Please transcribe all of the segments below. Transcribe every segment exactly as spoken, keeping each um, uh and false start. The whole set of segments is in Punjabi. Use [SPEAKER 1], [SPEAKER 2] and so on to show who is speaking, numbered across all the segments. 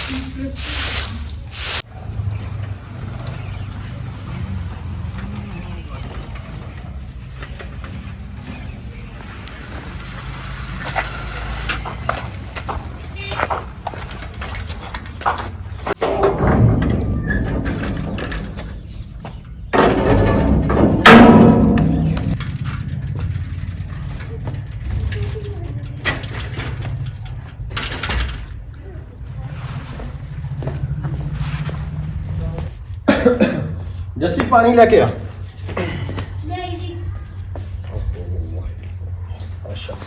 [SPEAKER 1] जस्सी पानी लेके आ। अच्छा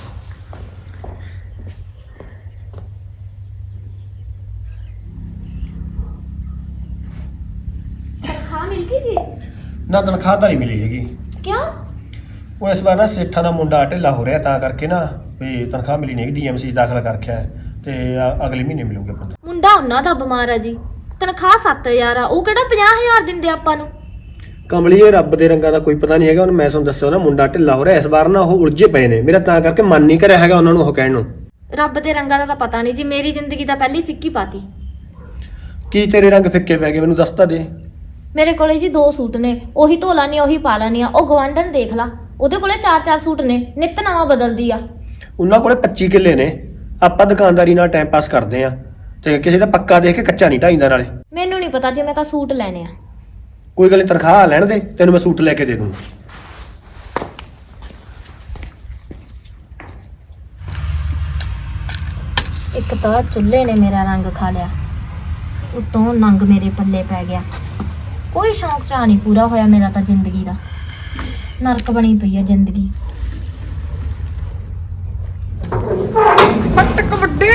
[SPEAKER 2] तनख्वाह मिल गई जी?
[SPEAKER 1] ना तनख्वाह तो नहीं मिली हैगी।
[SPEAKER 2] क्यों?
[SPEAKER 1] वो इस बार ना सेठा का मुंडा ढिला हो रहा ता करके ना भी तनख्वाह मिली नहीं, डीएमसी दाखिल कर रखा है ते अगले महीने मिलूगे।
[SPEAKER 2] मुंडा ਉਹਨਾਂ ਦਾ ਬਿਮਾਰ ਆ ਜੀ, ਤਨਖਾਹ ਸੱਤ ਹਜ਼ਾਰ ਆ, ਉਹ ਕਿਹੜਾ ਪੰਜਾਹ ਹਜ਼ਾਰ ਦਿੰਦੇ ਆਪਾਂ ਨੂੰ।
[SPEAKER 1] ਕਮਲੀਏ ਰੱਬ ਦੇ ਰੰਗਾਂ ਦਾ ਕੋਈ ਪਤਾ ਨਹੀਂ ਹੈਗਾ। ਉਹਨੂੰ ਮੈਂ ਤੁਹਾਨੂੰ ਦੱਸਿਆ ਨਾ ਮੁੰਡਾ ਢਿੱਲਾ ਹੋ ਰਿਹਾ ਇਸ ਵਾਰ ਨਾ, ਉਹ ਉਲਝੇ ਪਏ ਨੇ। ਮੇਰਾ ਤਾਂ ਕਰਕੇ ਮਨ ਨਹੀਂ ਕਰਿਆ ਹੈਗਾ ਉਹਨਾਂ ਨੂੰ ਉਹ ਕਹਿਣ ਨੂੰ।
[SPEAKER 2] ਰੱਬ ਦੇ ਰੰਗਾਂ ਦਾ ਤਾਂ ਪਤਾ ਨਹੀਂ ਜੀ, ਮੇਰੀ ਜ਼ਿੰਦਗੀ ਤਾਂ ਪਹਿਲੀ ਫਿੱਕੀ ਪਾਤੀ।
[SPEAKER 1] ਕੀ ਤੇਰੇ ਰੰਗ ਫਿੱਕੇ ਪੈ ਗਏ ਮੈਨੂੰ ਦੱਸ ਤਾਂ ਦੇ।
[SPEAKER 2] ਮੇਰੇ ਕੋਲੇ ਜੀ ਦੋ ਸੂਟ ਨੇ, ਉਹੀ ਧੋ ਲਾਨੀ ਉਹੀ ਪਾ ਲਾਨੀ ਆ। ਉਹ ਗਵਾਂਢਣ ਦੇਖ ਲਾ, ਉਹਦੇ ਕੋਲੇ ਚਾਰ ਚਾਰ ਸੂਟ ਨੇ, ਨਿੱਤ ਨਵਾਂ ਬਦਲਦੀ ਆ।
[SPEAKER 1] ਉਹਨਾਂ ਕੋਲੇ ਪੱਚੀ ਕਿੱਲੇ ਨੇ। ਆਪਾਂ ਦੁਕਾਨਦਾਰੀ ਨਾਲ ਟਾਈਮ ਪਾਸ ਕਰਦੇ ਆ ਤੇ ਕਿਸੇ ਦਾ ਪੱਕਾ ਦੇਖ ਕੇ ਕੱਚਾ ਨਹੀਂ ਢਾਈਂਦਾ। ਨਾਲੇ
[SPEAKER 2] ਮੈਨੂੰ ਨਹੀਂ ਪਤਾ ਜੀ, ਮੈਂ ਤਾਂ ਸੂਟ ਲੈਣੇ ਆ।
[SPEAKER 1] ਕੋਈ ਗੱਲ ਨਹੀਂ, ਤਨਖਾਹ ਲੈਣ ਦੇ, ਤੈਨੂੰ ਮੈਂ ਸੂਟ ਲੈ ਕੇ ਦੇ ਦੂੰ।
[SPEAKER 2] ਇੱਕ ਤਾਂ ਚੁੱਲ੍ਹੇ ਨੇ ਮੇਰਾ ਰੰਗ ਖਾ ਲਿਆ, ਉਤੋਂ ਨੰਗ ਮੇਰੇ ਪੱਲੇ ਪੈ ਗਿਆ। ਕੋਈ ਸ਼ੌਂਕ ਚਾਹ ਨਹੀਂ ਪੂਰਾ ਹੋਇਆ ਮੇਰਾ ਤਾਂ ਜ਼ਿੰਦਗੀ ਦਾ। ਨਰਕ ਬਣੀ ਪਈ ਆ ਜ਼ਿੰਦਗੀ।
[SPEAKER 3] ਫਟ ਕਬੱਡੀ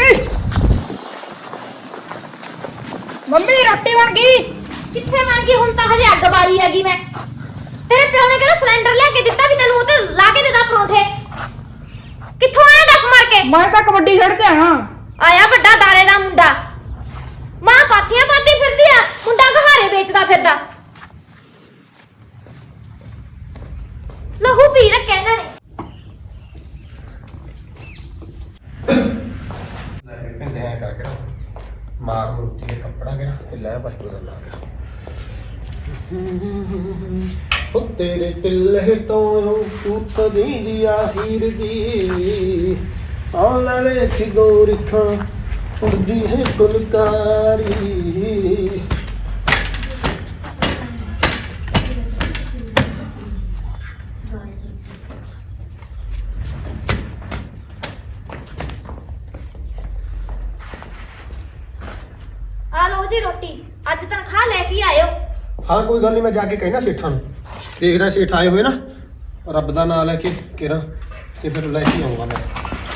[SPEAKER 3] ਮੰਮੀ ਰੋਟੀ ਬਣ ਗਈ।
[SPEAKER 2] ਕਿੱਥੇ ਬਣ ਗਈ? ਹੁਣ ਤਾਂ ਹਜੇ ਅੱਗ ਬਾਰੀ ਹੈਗੀ। ਮੈਂ ਤੇਰੇ ਪਿਓ ਨੇ ਕਿਹੜਾ ਸਿਲੰਡਰ ਲਿਆ ਕੇ ਦਿੱਤਾ ਵੀ ਤੈਨੂੰ ਉਹ ਤੇ ਲਾ ਕੇ ਦੇਦਾ ਪਰੌਂਠੇ? ਕਿੱਥੋਂ ਆਇਆ ਡੱਕ ਮਾਰ ਕੇ?
[SPEAKER 3] ਮੈਂ ਤਾਂ ਕਬੱਡੀ ਖੇਡ ਕੇ ਆਇਆ।
[SPEAKER 2] ਆਇਆ ਵੱਡਾ ਦਾਰੇ ਦਾ ਮੁੰਡਾ, ਮਾਂ ਪਾਥੀਆਂ ਪਾਦੀ ਫਿਰਦੀ ਆ, ਮੁੰਡਾ ਘਹਾਰੇ ਵੇਚਦਾ ਫਿਰਦਾ। ਲਹੂ ਪੀ ਰੱਖਿਆ ਇਹਨਾਂ ਨੇ।
[SPEAKER 1] ਕਹਿੰਦੇ ਐ ਕਰਕੇ ਨਾ ਮਾਰ ਮੁੱਟੀ ਦੇ ਕੱਪੜਾ ਕੇ ਤੇ ਲੈ ਭਾਈ ਕੋਲ ਲਾ ਕੇ ਉਹ ਤੇਰੇ ਤਿੱਲੇ ਤੋਂ ਤੂਤ ਦੀ ਆਖੀਰ ਦੀ ਆਉਣਾ ਵੇਖ ਗੋਰੀਖਾਂ ਉੜਦੀ ਹੈ ਫੁਲਕਾਰੀ।
[SPEAKER 2] ਆ ਲਓ ਜੀ ਰੋਟੀ, ਅੱਜ ਤਨਖਾਹ ਲੈ ਕੇ ਆਇਓ।
[SPEAKER 1] ਹਾਂ ਕੋਈ ਗੱਲ ਨਹੀਂ, ਮੈਂ ਜਾ ਕੇ ਕਹਿਣਾ ਸੇਠਾਂ ਨੂੰ। ਦੇਖਦਾ ਸੇਠ ਆਏ ਹੋਏ ਨਾ, ਰੱਬ ਦਾ ਨਾਂ ਲੈ ਕੇ ਕਿਹੜਾ ਤੇ ਫਿਰ ਲੈ ਕੇ ਆਉਂਗਾ ਮੈਂ।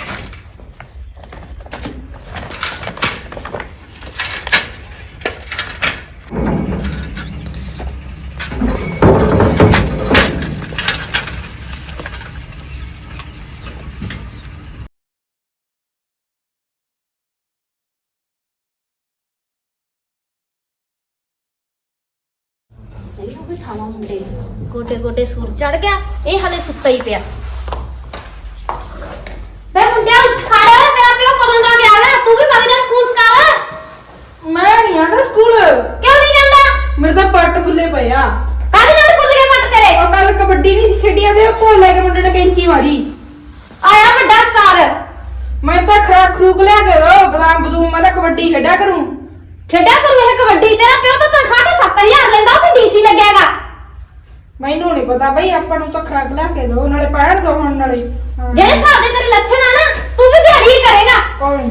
[SPEAKER 2] ਇਹਨੂੰ ਵੀ ਠਾਵਾਂ ਮੁੰਡੇ, ਗੋਟੇ ਗੋਟੇ ਸੂਰ ਚੜ ਗਿਆ, ਇਹ ਹਲੇ ਸੁੱਤਾ ਹੀ ਪਿਆ। ਬੇ ਮੁੰਡਿਆ ਉੱਠ ਖੜ, ਤੇਰਾ ਪਿਓ ਕਦੋਂ ਦਾ ਗਿਆ ਵਾ? ਤੂੰ ਵੀ ਵਗ ਜਾ ਸਕੂਲ ਸਕਾਰ।
[SPEAKER 3] ਮੈਂ ਨਹੀਂ ਆਂਦਾ ਸਕੂਲ।
[SPEAKER 2] ਕਿਉਂ ਨਹੀਂ ਜਾਂਦਾ?
[SPEAKER 3] ਮੇਰੇ ਤਾਂ ਪੱਟ ਫੁੱਲੇ ਪਏ ਆ।
[SPEAKER 2] ਕਾਹਦੇ ਨਾਲ ਖੁੱਲ ਗਏ ਪੱਟ ਤੇਰੇ?
[SPEAKER 3] ਉਹ ਕੱਲ ਕਬੱਡੀ ਨਹੀਂ ਖੇਡੀਆਂ ਤੇ ਭੋਲ ਲੈ ਕੇ ਮੁੰਡੇ ਨੇ ਕੈਂਚੀ ਮਾਰੀ।
[SPEAKER 2] ਆਇਆ ਵੱਡਾ ਸਕਾਰ।
[SPEAKER 3] ਮੈਂ ਤਾਂ ਖਰਾਕ ਖਰੂਕ ਲਿਆ ਕੇ ਦੋ, ਬਦਾਮ ਬਦੂਮ, ਮੈਂ ਤਾਂ ਕਬੱਡੀ ਖੇਡਿਆ ਕਰੂੰ।
[SPEAKER 2] ਖੇਡਿਆ ਕਰੂ ਇਹ ਕਬੱਡੀ? ਤੇਰਾ ਪਿਓ ਤਾਂ ਤਨਖਾਹ ਤੇ ਸੱਤ ਹਜ਼ਾਰ ਲੈਂਦਾ, ਉੱਥੇ ਡੀਸੀ ਲੱਗਿਆਗਾ।
[SPEAKER 3] ਮੈਨੂੰ ਨਹੀਂ ਪਤਾ ਬਈ, ਆਪਾਂ ਨੂੰ ਤਾਂ ਖਰਾਕ ਲਿਆ ਕੇ ਦੋ, ਨਾਲੇ ਪੈਣ ਦੋ ਹੁਣ ਨਾਲੇ। ਹਾਂ।
[SPEAKER 2] ਜਿਹੜੇ ਹਿਸਾਬ ਦੇ ਤੇਰੇ ਲੱਛਣ ਆ ਨਾ, ਤੂੰ ਵੀ ਦਿਹਾੜੀ ਹੀ ਕਰੇਗਾ।
[SPEAKER 3] ਕੌਣ?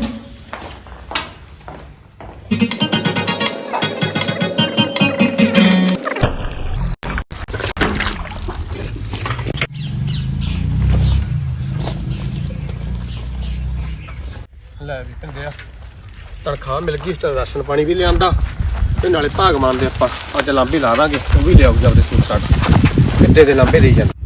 [SPEAKER 1] ਲੈ ਵੀ ਪਿੰਦਿਆ ਤਨਖਾਹ ਮਿਲ ਗਈ, ਚਲ ਰਾਸ਼ਨ ਪਾਣੀ ਵੀ ਲਿਆਂਦਾ ਤੇ ਨਾਲੇ ਭਾਗ ਮੰਨਦੇ ਆਪਾਂ। ਅੱਜ ਲਾਂਬੇ ਲਾ ਦਾਂਗੇ, ਉਹ ਵੀ ਲਿਆਉ ਜਾਂਦੇ ਸੂਟ ਸਾਟ ਕਿੱਡੇ ਦੇ ਲਾਂਬੇ ਦੇਈ ਜਾਂਦੇ।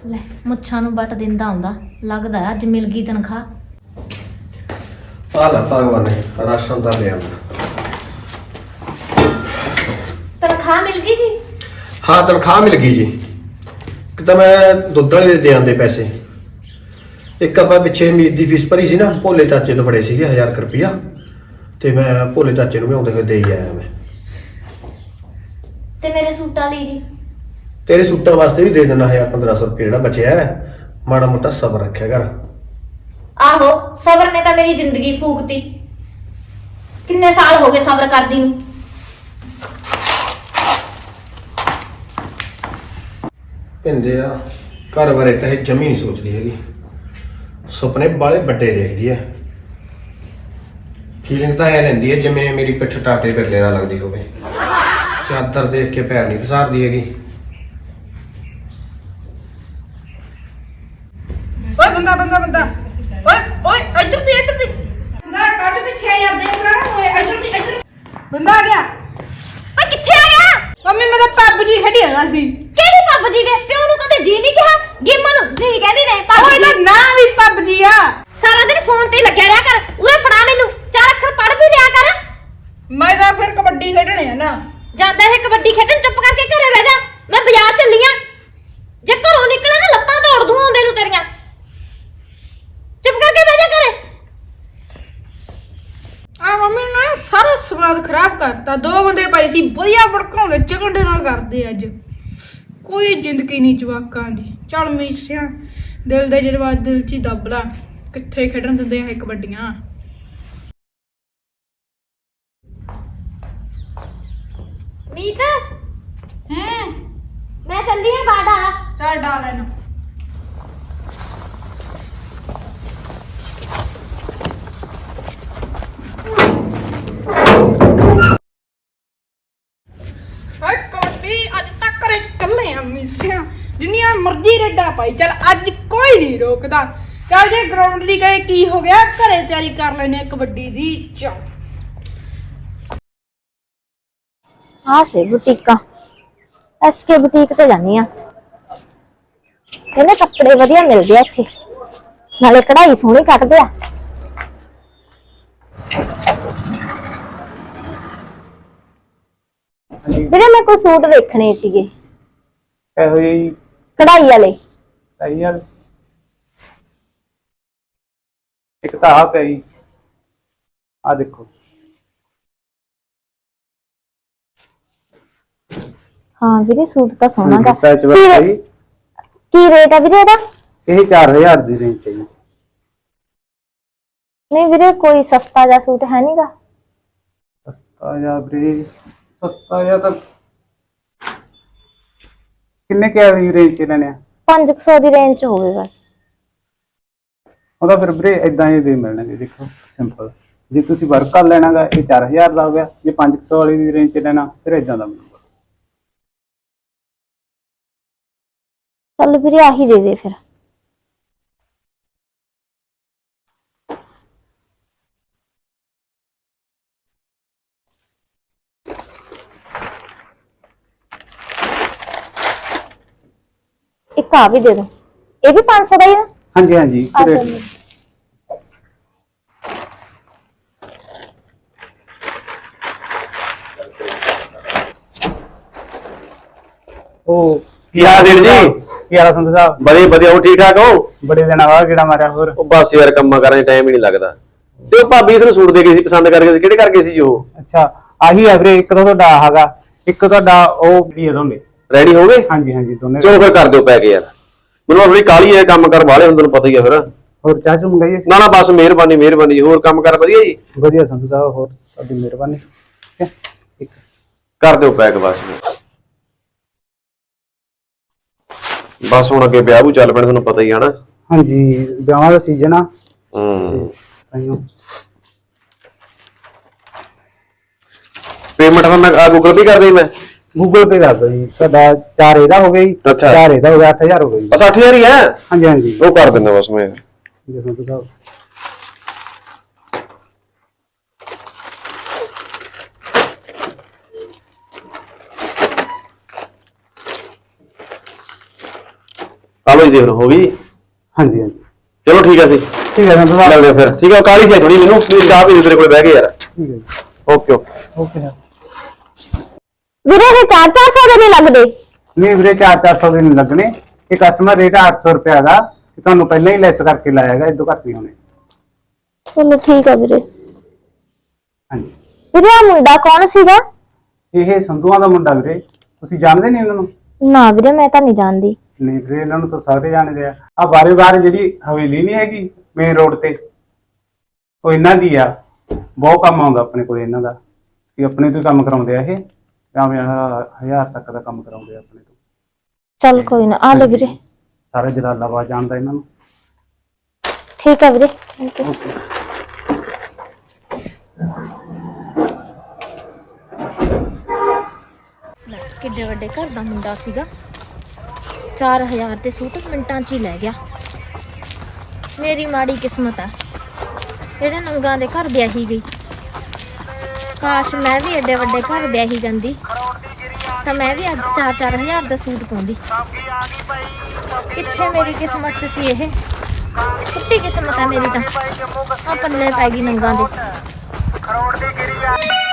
[SPEAKER 2] ਲੈ ਮੁੱਛਾਂ ਨੂੰ ਵੱਟ ਦਿੰਦਾ ਆਉਂਦਾ, ਲੱਗਦਾ ਅੱਜ ਮਿਲ ਗਈ ਤਨਖਾਹ।
[SPEAKER 1] ਆ ਲੈ ਭਗਵਾਨ ਨੇ ਰਾਸ਼ਨ ਦਾ ਲਿਆ।
[SPEAKER 2] ਤਨਖਾਹ ਮਿਲ ਗਈ ਸੀ?
[SPEAKER 1] ਹਾਂ ਤਨਖਾਹ ਮਿਲ ਗਈ ਜੀ। ਇੱਕ ਤਾਂ ਮੈਂ ਦੁੱਧ ਵਾਲੇ ਦੇ ਆਂਦੇ ਪੈਸੇ, ਇੱਕ ਆਪਾਂ ਪਿੱਛੇ ਮੀਤ ਦੀ ਫੀਸ ਭਰੀ ਸੀ ਨਾ, ਭੋਲੇ ਚਾਚੇ ਤੋਂ ਫੜੇ ਸੀਗੇ ਹਜ਼ਾਰ ਰੁਪਇਆ, ਤੇ ਮੈਂ ਭੋਲੇ ਚਾਚੇ ਨੂੰ ਵੀ ਆਉਂਦੇ ਹੋਏ ਦੇ ਹੀ ਆਇਆ ਮੈਂ।
[SPEAKER 2] ਤੇ ਮੇਰੇ ਸੂਟਾਂ ਲਈ ਜੀ?
[SPEAKER 1] ਤੇਰੇ ਸੂਟਾਂ ਵਾਸਤੇ ਵੀ ਦੇ ਦੇਣਾ ਹਜ਼ਾਰ ਪੰਦਰਾਂ ਸੌ ਰੁਪਏ ਜਿਹੜਾ ਬਚਿਆ ਹੈ। ਮਾੜਾ ਮੋਟਾ ਸਬਰ ਰੱਖਿਆ ਕਰ।
[SPEAKER 2] ਆਹੋ ਸਬਰ ਨੇ ਤਾਂ ਮੇਰੀ ਜ਼ਿੰਦਗੀ ਫੂਕਤੀ। ਕਿੰਨੇ ਸਾਲ ਹੋ ਗਏ ਸਬਰ ਕਰਦੀ ਨੂੰ।
[SPEAKER 1] ਪਿੰਦੇ ਆ ਘਰ ਬਾਰੇ ਤਾਂ ਇਹ ਜਮੀ ਨਹੀਂ ਸੋਚਦੀ ਹੈਗੀ, ਸੁਪਨੇ ਬਾਲੇ ਵੱਡੇ ਦੇਖਦੀ ਹੈ। ਫੀਲਿੰਗ ਤਾਂ ਐ ਲੈਂਦੀ ਹੈ ਜਿਵੇਂ ਮੇਰੀ ਪਿੱਠ ਟਾਟੇ ਬਿਰਲੇ ਨਾਲ ਲੱਗਦੀ ਹੋਵੇ। ਚਾਦਰ ਦੇਖ ਕੇ ਪੈਰ ਨਹੀਂ ਪਸਾਰਦੀ ਹੈਗੀ।
[SPEAKER 3] ਓਏ ਬੰਦਾ ਬੰਦਾ ਬੰਦਾ ਓਏ ਓਏ ਇੱਧਰ ਦੀ ਇੱਧਰ ਦੀ ਬੰਦਾ ਕੱਢ ਪਿੱਛੇ ਯਾਰ ਦੇਖ ਲੈ ਓਏ ਇੱਧਰ ਦੀ ਇੱਧਰ ਬੰਦਾ ਆ ਗਿਆ।
[SPEAKER 2] ਓਏ ਕਿੱਥੇ ਆ ਗਿਆ?
[SPEAKER 3] ਮੰਮੀ ਮੇਰਾ ਪੱਬਜੀ ਖੇਡੀ ਜਾਂਦਾ ਸੀ।
[SPEAKER 2] ਕਿਹੜੀ ਪੱਬਜੀ ਵੇ? ਪਿਓ ਨੂੰ ਕਦੇ ਜੀ ਨਹੀਂ ਕਿਹਾ? ਗੇਮਾਂ ਨੂੰ ਜੀ ਕਹਿੰਦੀ ਨੇ
[SPEAKER 3] ਓਏ
[SPEAKER 2] ਪੱਬਜੀ।
[SPEAKER 3] ਇਹਦਾ ਨਾਂ ਵੀ ਪੱਬਜੀ ਆ।
[SPEAKER 2] ਸਾਰਾ ਦਿਨ ਫੋਨ ਤੇ ਹੀ ਲੱਗਿਆ ਰਿਹਾ ਕਰ। ਉਰੇ ਫੜਾ ਮੈਨੂੰ, ਚਾਰ ਅੱਖਰ ਪੜ੍ਹ ਵੀ ਲਿਆ ਕਰ।
[SPEAKER 3] ਮੈਂ ਤਾਂ ਫਿਰ ਕਬੱਡੀ ਖੇਡਣੇ ਆ ਨਾ।
[SPEAKER 2] ਜਾਂਦਾ ਹੈ ਕਬੱਡੀ ਖੇਡਣ, ਚੁੱਪ ਕਰਕੇ ਘਰੇ ਬਹਿ ਜਾ। ਮੈਂ ਬਾਜ਼ਾਰ ਚੱਲੀ ਆਂ, ਜੇ ਘਰੋਂ ਨਿਕਲੇ ਨਾ ਲੱਤਾਂ ਤੋੜ ਦੂੰ ਆਉਂਦੇ ਨੂੰ ਤੇਰੀਆਂ। ਚੁੱਪ ਕਰਕੇ ਬਹਿ ਜਾ ਘਰੇ।
[SPEAKER 3] ਆ ਮੰਮੀ ਨੇ ਸਾਰਾ ਸਵਾਦ ਖਰਾਬ ਕਰਤਾ। ਦੋ ਬੰਦੇ ਪਏ ਸੀ ਵਧੀਆ ਭੜਕਾਉਂਦੇ ਝਗੜੇ ਨਾਲ ਕਰਦੇ ਅੱਜ। ਕੋਈ ਜ਼ਿੰਦਗੀ ਨਹੀਂ ਜਵਾਕਾਂ ਦੀ। ਚੱਲ ਮੀਸਿਆ ਦਿਲ ਦੇ ਜਜ਼ਬਾਤ ਦਿਲ 'ਚ ਹੀ ਦੱਬ ਲਾ। ਕਿੱਥੇ ਖੇਡਣ ਦਿੰਦੇ ਆ ਇਹ ਕਬੱਡੀਆਂ।
[SPEAKER 2] ਮੀਤ
[SPEAKER 3] ਹੂੰ
[SPEAKER 2] ਮੈਂ ਚੱਲੀ ਆਂ ਬਾੜਾ।
[SPEAKER 3] ਚੱਲ ਡਾਲ ਇਹਨੂੰ। ਹਾਏ ਕਬੱਡੀ ਅੱਜ ਤੱਕ ਕਰੇ ਕੱਲੇ ਆ ਮੀਸਿਆ। ਜਿੰਨੀਆਂ ਮਰਜ਼ੀ ਰੇਡਾਂ ਪਾਈ ਚੱਲ ਅੱਜ ਕੋਈ ਨਹੀਂ ਰੋਕਦਾ। ਚੱਲ ਜੇ ਗਰਾਊਂਡ ਲਈ ਗਏ ਕੀ ਹੋ ਗਿਆ, ਘਰੇ ਤਿਆਰੀ ਕਰ ਲੈਨੇ ਆ ਕਬੱਡੀ ਦੀ। ਚੱਲ
[SPEAKER 2] ਆ ਸੇ ਬੁਟੀਕਾਂ, ਐਸਕੇ ਬੁਟੀਕ ਤੇ ਜਾਨੀ ਆ। ਕਹਿੰਦੇ ਕੱਪੜੇ ਵਧੀਆ ਮਿਲਦੇ ਆ ਇੱਥੇ, ਨਾਲੇ ਕਢਾਈ ਸੋਹਣੀ ਕੱਟਦੇ ਆ। ਵੀਰੇ ਮੈਂ ਕੋਈ ਸੂਟ ਵੇਖਣੇ ਸੀਗੇ
[SPEAKER 4] ਇਹੋ ਜਿਹੀ
[SPEAKER 2] ਕਢਾਈ ਵਾਲੇ।
[SPEAKER 4] ਸਹੀ ਗੱਲ। ਇੱਕ ਤਾਂ ਆ ਪਈ, ਆ ਦੇਖੋ।
[SPEAKER 2] ਹਾਂ ਵੀਰੇ ਸੂਟ ਤਾਂ ਸੋਹਣਾ ਗਾ।
[SPEAKER 4] ਪੈਚ ਵਰਕ
[SPEAKER 2] ਕੀ
[SPEAKER 4] ਹੈ
[SPEAKER 2] ਰੇ-
[SPEAKER 4] ਜੀ।
[SPEAKER 2] ਕੀ ਰੇਟ ਆ ਵੀਰੇ ਇਹਦਾ?
[SPEAKER 4] ਇਹ ਚਾਰ ਹਜ਼ਾਰ ਦੀ ਰੇਂਜ ਹੈ ਜੀ।
[SPEAKER 2] ਨਹੀਂ ਵੀਰੇ ਕੋਈ ਸਸਤਾ ਜਿਹਾ ਸੂਟ ਹੈ ਨਹੀਂਗਾ?
[SPEAKER 4] ਸਸਤਾ ਜਾਂ ਵੀਰੇ ਸਸਤਾ ਜਾਂ ਤਾਂ ਕਿੰਨੇ ਕੁ ਵਾਲੀ ਰੇਂਜ 'ਚ ਲੈਣੇ ਆ?
[SPEAKER 2] ਪੰਜ ਕੁ ਸੌ ਦੀ ਰੇਂਜ ਚ ਹੋਵੇ ਬਸ।
[SPEAKER 4] ਉਹਦਾ ਫਿਰ ਵੀਰੇ ਇਦਾਂ ਹੀ ਦੇ ਮਿਲਣਗੇ। ਦੇਖੋ ਸਿੰਪਲ, ਜੇ ਤੁਸੀਂ ਵਰਕ ਕਰ ਲੈਣਾਗਾ ਇਹ ਚਾਰ ਹਜ਼ਾਰ ਦਾ ਹੋ ਗਿਆ। ਜੇ ਪੰਜ ਕੁ ਸੌ ਵਾਲੀ ਦੀ ਰੇਂਜ 'ਚ ਲੈਣਾ ਫਿਰ ਇਦਾਂ ਦਾ ਮਿਲੂਗਾ।
[SPEAKER 2] ਚੱਲ ਵੀਰੇ ਆਹੀ ਦੇ ਦੇ ਫਿਰ। ਇੱਕ ਆ ਵੀ ਦੇ ਦੋ। ਇਹ ਵੀ ਪੰਜ ਸੌ ਦਾ ਹੀ ਆ?
[SPEAKER 4] ਹਾਂਜੀ ਹਾਂਜੀ
[SPEAKER 2] ਆ
[SPEAKER 4] ਰੇਟ
[SPEAKER 2] ਚੱਲ।
[SPEAKER 4] ਉਹ
[SPEAKER 5] ਕੀ ਹਾਲ ਜੀ?
[SPEAKER 4] ਕੀ ਹਾਲ ਸੰਧੂ ਸਾਹਿਬ?
[SPEAKER 5] ਵਧੀਆ ਵਧੀਆ, ਉਹ ਠੀਕ ਠਾਕ ਹੋ?
[SPEAKER 4] ਬੜੇ ਦਿਨਾਂ ਬਾਅਦ ਕਿਹੜਾ ਮਾਰਿਆ ਹੋਰ?
[SPEAKER 5] ਉਹ ਬਸ ਯਾਰ ਕੰਮਾਂ ਕਰਾਂ ਚ ਟਾਈਮ ਹੀ ਨਹੀਂ ਲੱਗਦਾ। ਤੇ ਉਹ ਭਾਬੀ ਇਸ ਨੂੰ ਸੂਟ ਦੇ ਗਈ ਸੀ, ਪਸੰਦ ਕਰਕੇ ਸੀ। ਕਿਹੜੇ ਕਰਕੇ ਸੀ ਜੀ ਉਹ?
[SPEAKER 4] ਅੱਛਾ ਆਹੀ ਹੈ ਵੀਰੇ। ਇੱਕ ਤਾਂ ਤੁਹਾਡਾ ਹੈਗਾ, ਇੱਕ ਤੁਹਾਡਾ ਉਹ ਵੀ ਹੈ ਦੋਨੇ।
[SPEAKER 5] ਰੈਡੀ ਹੋ ਗਏ?
[SPEAKER 4] ਹਾਂਜੀ ਹਾਂਜੀ ਦੋਨੇ।
[SPEAKER 5] ਚਲੋ ਫਿਰ ਕਰ ਦਿਓ ਪੈਕ ਯਾਰ। ਮੈਨੂੰ ਥੋੜੀ ਕਾਹਲੀ ਹੈ, ਕੰਮ ਕਰ ਵਾਲੇ ਹੁੰਦੇ ਨੂੰ ਪਤਾ ਹੀ ਆ ਫਿਰ।
[SPEAKER 4] ਹੋਰ ਚਾਹ ਚੂ ਮੰਗਾਈਏ?
[SPEAKER 5] ਨਾ ਨਾ ਬਸ ਮਿਹਰਬਾਨੀ ਮਿਹਰਬਾਨੀ ਜੀ। ਹੋਰ ਕੰਮ ਕਰ ਵਧੀਆ ਜੀ?
[SPEAKER 4] ਵਧੀਆ ਸੰਧੂ ਸਾਹਿਬ, ਹੋਰ ਤੁਹਾਡੀ ਮਿਹਰਬਾਨੀ। ਠੀਕ ਹੈ ਠੀਕ ਹੈ।
[SPEAKER 5] ਕਰ ਦਿਓ ਪੈਕ ਬਸ। ਬਸ ਹੁਣ ਅੱਗੇ ਵਿਆਹ ਵੀ ਚੱਲ ਪੈਣਾ, ਤੁਹਾਨੂੰ ਪਤਾ ਹੀ ਆ ਨਾ।
[SPEAKER 4] ਹਾਂਜੀ ਵਿਆਹਾਂ ਦਾ ਸੀਜ਼ਨ ਆ।
[SPEAKER 5] ਹੂੰ
[SPEAKER 4] ਤਾਂਹੀਓ।
[SPEAKER 5] ਪੇਮੈਂਟ ਤਾਂ ਮੈਂ ਗੂਗਲ ਪੇ ਕਰ ਦੇਈ ਮੈਂ।
[SPEAKER 4] ਗੂਗਲ ਪੇ ਕਰ ਦਿਓ ਜੀ। ਤੁਹਾਡਾ ਚਾਰ ਇਹਦਾ ਹੋ ਗਿਆ ਜੀ।
[SPEAKER 5] ਅੱਛਾ।
[SPEAKER 4] ਚਾਰ ਇਹਦਾ ਹੋ ਗਿਆ, ਅੱਠ ਹਜ਼ਾਰ ਹੋ ਗਿਆ ਜੀ।
[SPEAKER 5] ਬਸ ਅੱਠ ਹਜ਼ਾਰ ਹੀ ਹੈ।
[SPEAKER 4] ਹਾਂਜੀ ਹਾਂਜੀ
[SPEAKER 5] ਉਹ ਕਰ ਦਿੰਦਾ ਬਸ ਮੈਂ।
[SPEAKER 4] ਜੀ ਸੰਧੂ ਸਾਹਿਬ।
[SPEAKER 5] ਆ ਲਓ ਜੀ ਦੇਖ ਲਓ ਹੋ ਗਈ।
[SPEAKER 4] ਹਾਂਜੀ ਹਾਂਜੀ
[SPEAKER 5] ਚਲੋ ਠੀਕ ਆ ਸੀ
[SPEAKER 4] ਠੀਕ ਹੈ ਸੰਧੂ ਸਾਹਿਬ।
[SPEAKER 5] ਮਿਲਦੇ ਆ ਫਿਰ। ਠੀਕ ਆ ਕਾਲੀ ਸੀ ਥੋੜੀ ਮੈਨੂੰ ਪਲੀਜ਼ ਚਾਹ ਪੀ ਤੇਰੇ ਕੋਲ ਬਹਿ ਕੇ ਯਾਰ।
[SPEAKER 4] ਠੀਕ ਹੈ ਜੀ
[SPEAKER 5] ਓਕੇ ਓਕੇ
[SPEAKER 4] ਓਕੇ ਸਰ।
[SPEAKER 2] ਵੀਰੇ ਇਹ ਚਾਰ ਚਾਰ ਸੌ ਦੇ ਨਹੀਂ ਲੱਗਦੇ।
[SPEAKER 4] ਨਹੀਂ ਵੀਰੇ ਚਾਰ ਚਾਰ ਸੌ ਦੇ ਨਹੀਂ ਲੱਗਣੇ। ਇਹ ਕਸਟਮਰ ਰੇਟ ਅੱਠ ਸੌ ਰੁਪਏ ਦਾ ਤੇ ਤੁਹਾਨੂੰ ਪਹਿਲਾਂ ਹੀ ਲੈਸ ਕਰਕੇ ਲਾਇਆ ਹੈਗਾ, ਇਦੋਂ ਘੱਟ ਨਹੀਂ ਹੋਣੇ।
[SPEAKER 2] ਚਲੋ ਠੀਕ ਆ ਵੀਰੇ।
[SPEAKER 4] ਹਾਂਜੀ
[SPEAKER 2] ਵੀਰੇ ਆ ਮੁੰਡਾ ਕੌਣ ਸੀਗਾ?
[SPEAKER 4] ਇਹ ਸੰਧੂਆਂ ਦਾ ਮੁੰਡਾ ਵੀਰੇ, ਤੁਸੀਂ ਜਾਣਦੇ ਨਹੀਂ ਇਹਨਾਂ ਨੂੰ?
[SPEAKER 2] ਨਾ ਵੀਰੇ ਮੈਂ ਤਾਂ ਨਹੀਂ ਜਾਣਦੀ।
[SPEAKER 4] ਨਹੀਂ ਵੀਰੇ ਇਹਨਾਂ ਨੂੰ ਤਾਂ ਸਾਰੇ ਜਾਣਦੇ ਆ। ਆ ਬਾਰੇ ਬਾਰੇ ਜਿਹੜੀ ਹਵੇਲੀ ਨਹੀਂ ਹੈਗੀ ਮੇਨ ਰੋਡ ਤੇ, ਉਹ ਇਹਨਾਂ ਦੀ ਆ। ਬਹੁਤ ਕੰਮ ਆਉਂਦਾ ਆਪਣੇ ਕੋਲ ਇਹਨਾਂ ਦਾ, ਕਿ ਆਪਣੇ ਤੋਂ ਹੀ ਕੰਮ ਕਰਾਉਂਦੇ ਆ ਇਹ। ਭਾਵੇਂ ਹਜ਼ਾਰ ਤੱਕ ਦਾ ਕੰਮ ਕਰਾਉਂਦੇ ਆ ਆਪਣੇ ਤੋਂ।
[SPEAKER 2] ਚੱਲ ਕੋਈ ਨਾ ਆ ਲੈ ਵੀਰੇ।
[SPEAKER 4] ਸਾਰਾ ਜਲਾਲਾਬਾਦ ਜਾਣਦਾ ਇਹਨਾਂ ਨੂੰ।
[SPEAKER 2] ਠੀਕ ਆ ਵੀਰੇ ਥੈਂਕ ਯੂ। ਕਿੱਡੇ ਵੱਡੇ ਘਰ ਦਾ ਮੁੰਡਾ ਸੀਗਾ, ਚਾਰ ਹਜ਼ਾਰ ਦੇ ਸੂਟ ਮਿੰਟਾਂ 'ਚ ਹੀ ਲੈ ਗਿਆ। ਮੇਰੀ ਮਾੜੀ ਕਿਸਮਤ ਆ ਜਿਹੜੇ ਨੰਗਾ ਦੇ ਘਰ ਵਿਆਹੀ ਗਈ। ਕਾਸ਼ ਮੈਂ ਵੀ ਐਡੇ ਵੱਡੇ ਘਰ ਵਿਆਹੀ ਜਾਂਦੀ ਤਾਂ ਮੈਂ ਵੀ ਅੱਜ ਚਾਰ ਚਾਰ ਹਜ਼ਾਰ ਦਾ ਸੂਟ ਪਾਉਂਦੀ। ਕਿੱਥੇ ਮੇਰੀ ਕਿਸਮਤ 'ਚ ਸੀ ਇਹ, ਟੁੱਟੀ ਕਿਸਮਤ ਆ ਮੇਰੀ ਤਾਂ। ਆ ਪੱਲੇ ਪੈ ਗਈ ਨੰਗਾ ਦੇ।